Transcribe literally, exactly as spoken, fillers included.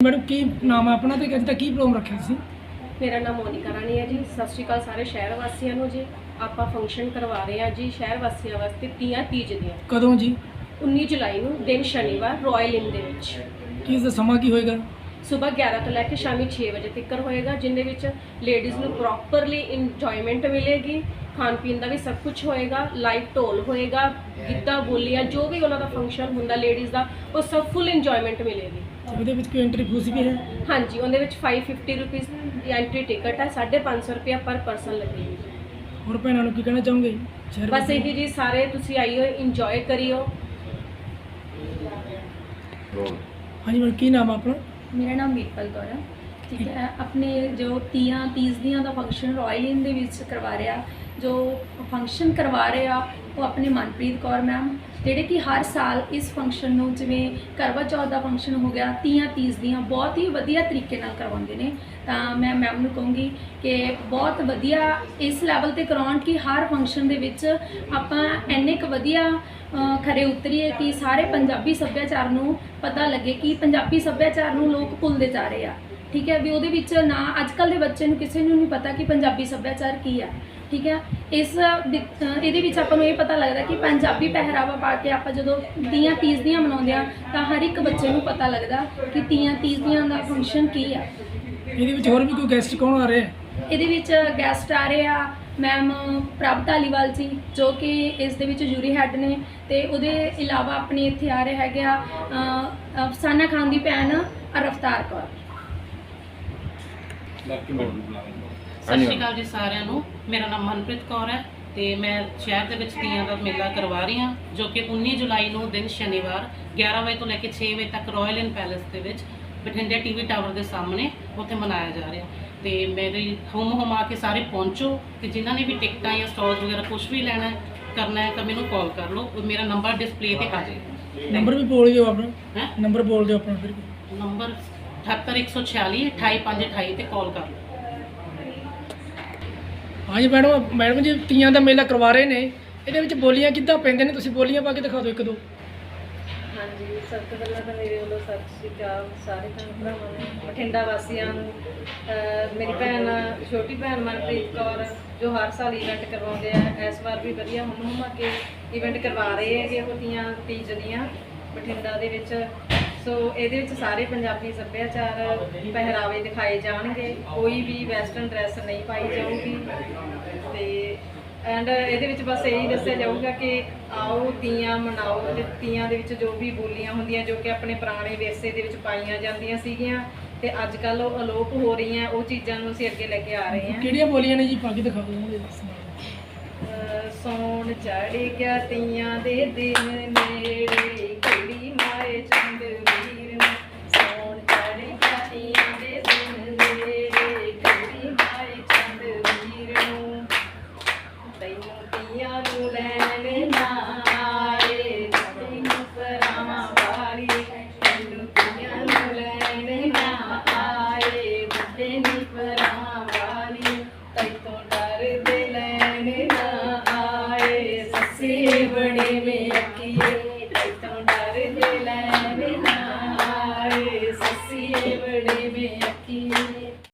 Madam की नाम है अपना तो अज तक की प्रोग्राम रखे सी? मेरा नाम मोनिका रानी है जी। सत श्री अकाल सारे शहर वासियों को जी। आप फंक्शन करवा रहे हैं जी शहर वासियों वास्ते तीयां तीज दियां। कदों जी? उन्नीस जुलाई ਨੂੰ दिन शनिवार रॉयल इन ਦੇ ਵਿੱਚ। ਕੀ ਇਸ ਦਾ ਸਮਾਂ ਕੀ ਹੋਏਗਾ? सुबह ग्यारह तो लैके शामी छे बजे तक होएगा, जिंदे विच लेडीज़ नूं प्रॉपरली इंजॉयमेंट मिलेगी, खान पीन का भी सब कुछ होएगा, लाइव ढोल होएगा, गिद्धा बोलियां जो भी उन्होंने फंक्शन हुंदा लेडीज़ का वो सब फुल इंजॉयमेंट मिलेगी। ਉਹਦੇ ਵਿੱਚ ਕੋਈ एंट्री फीस भी है? हाँ जी, उहदे विच five fifty rupees entry ticket है, साढ़े पाँच सौ रुपया पर पर्सन लगेगी। और भैनों ਨੂੰ ਕੀ ਕਹਿਣਾ ਚਾਹੋਗੇ? बस यही जी, सारे तुसी आइयो इंजॉय करियो। हाँ जी मैडम की नाम है अपना? मेरा नाम वीरपल कौर है। ठीक है, अपने जो तीयां तीज दियां का फंक्शन रॉयल इन दे विच करवा रहा, जो फंक्शन करवा रहे आ वो अपने मनप्रीत कौर मैम, ਜਿਹੜੇ कि हर साल इस फंक्शन ਨੂੰ ਜਿਵੇਂ ਕਰਵਾ ਚੌਥ ਦਾ ਫੰਕਸ਼ਨ ਹੋ ਗਿਆ, ਤੀਆਂ ਤੀਜ ਦੀਆਂ ਬਹੁਤ ਹੀ ਵਧੀਆ ਤਰੀਕੇ ਨਾਲ ਕਰਵਾਉਂਦੇ ਨੇ। ਤਾਂ ਮੈਂ ਮੈਮ ਨੂੰ ਕਹੂੰਗੀ ਕਿ ਬਹੁਤ ਵਧੀਆ ਇਸ ਲੈਵਲ ਤੇ ਕਰਾਉਣ ਕਿ ਹਰ ਫੰਕਸ਼ਨ ਦੇ ਵਿੱਚ ਆਪਾਂ ਇੰਨੇ ਕੁ ਵਧੀਆ ਖਰੇ ਉਤਰੀਏ ਕਿ ਸਾਰੇ ਪੰਜਾਬੀ ਸੱਭਿਆਚਾਰ ਨੂੰ ਪਤਾ ਲੱਗੇ ਕਿ ਪੰਜਾਬੀ ਸੱਭਿਆਚਾਰ ਨੂੰ ਲੋਕ ਭੁੱਲਦੇ ਜਾ ਰਹੇ ਆ। ਠੀਕ ਹੈ, ਵੀ ਉਹਦੇ ਵਿੱਚ ਨਾ ਅੱਜ ਕੱਲ੍ਹ ਦੇ ਬੱਚੇ ਨੂੰ ਕਿਸੇ ਨੂੰ ਨਹੀਂ ਪਤਾ ਕਿ ਪੰਜਾਬੀ ਸੱਭਿਆਚਾਰ ਕੀ ਆ। ठीक है, इस ये ਆਪਾਂ ਨੂੰ ਇਹ ਪਤਾ ਲੱਗਦਾ ਕਿ ਪੰਜਾਬੀ ਪਹਿਰਾਵਾ ਪਾ ਕੇ ਆਪਾਂ ਜਦੋਂ ਤੀਆਂ ਤੀਜ ਦੀਆਂ ਮਨਾਉਂਦੇ ਆ ਤਾਂ ਹਰ ਇੱਕ ਬੱਚੇ ਨੂੰ ਪਤਾ ਲੱਗਦਾ ਕਿ ਤੀਆਂ ਤੀਜ ਦੀਆਂ ਦਾ ਫੰਕਸ਼ਨ ਕੀ ਆ। ਇਹਦੇ ਵਿੱਚ ਹੋਰ ਵੀ ਕੋਈ ਗੈਸਟ ਕੌਣ ਆ ਰਹੇ ਹੈ? ਇਹਦੇ ਵਿੱਚ ਗੈਸਟ ਆ ਰਹੇ ਆ ਮੈਮ ਪ੍ਰਭ ਧਾਲੀਵਾਲ ਜੀ, ਜੋ ਕਿ ਇਸ ਦੇ ਵਿੱਚ ਜੂਰੀ ਹੈੱਡ ਨੇ, ਤੇ ਉਹਦੇ ਇਲਾਵਾ ਆਪਣੇ ਇੱਥੇ ਆ ਰਹੇ ਹੈਗੇ ਆ ਅਫਸਾਨਾ ਖਾਨ ਦੀ ਭੈਣ ਰਫਤਾਰ ਕੌਰ। सत श्री अकाल जी सारिਆਂ ਨੂੰ। मेरा नाम मनप्रीत कौर है तो मैं शहर के तीयां का मेला करवा रही हाँ, जो कि उन्नीस जुलाई ਨੂੰ दिन शनिवार ग्यारह बजे तो लैके छे बजे तक रॉयल इन पैलेस के विच बठिंडे टी वी टावर के सामने उत्थे मनाया जा रहा। तो मेरी हुम हुम आके सारे पहुँचो, तो जिन्होंने भी टिकटा या स्टॉल वगैरह कुछ भी लेना है करना है तो मैंने कॉल कर लो, मेरा नंबर डिस्प्ले पर आ जाए। नंबर भी बोल दियो अपना। नंबर बोल दियो अपना फिर। नंबर अठहत्तर एक सौ छियाली अठाई पाँच अठाई पर कॉल कर लो। हाँ जी मैडम, मैडम जी तीयां का मेला करवा रहे हैं, ये बोलियां किद्दां पैंदे ने, तुसीं बोलियां पा के दिखा दो एक दो। हाँ जी, सब तो पहला तो मेरे वालों सत श्री अकाल सारे भैन भरावां नूं, बठिंडा वासियां नूं। मेरी भैन छोटी भैन मनप्रीत कौर जो हर साल इवेंट करवाउंदे आ, इस बार भी वधिया हुम हुम के इवेंट करवा रहे हैं वो तीयां तीज दियां बठिंडा दे विच। सो ये सारे पंजाबी सभ्याचार पहरावे दिखाए जाएंगे, कोई भी वैसटर्न ड्रैस नहीं पाई जाऊगी। तो एंड ये बस यही दसिया जाऊगा कि आओ तीयां मनाओ, तीयां दे विच जो भी बोलियां होंदियां जो कि अपने पुराने विरसे दे विच पाईयां जांदियां सीगियां ते अजकल अलोप हो रही हैं, वो चीज़ों को असीं अगे लैके आ रहे हैं। किहड़ियां बोलियां ने जी पा के दिखा दो। सौण चढ़ गया तीयां दे दिन नेड़े, कुड़ी माए चंद वीर नूं। सौण चढ़ गया तीयां दे दिन नेड़े, कुड़ी माए चंद वीर नूं। तैनूं तीयां नूं लैण ना आए, तैनूं परावां वाली, तैनूं तीयां नूं लैण ना आए, बुड्ढे नी परावां वाली, तैतों डरदे लैण ना आए, सस्से बड़े में अकील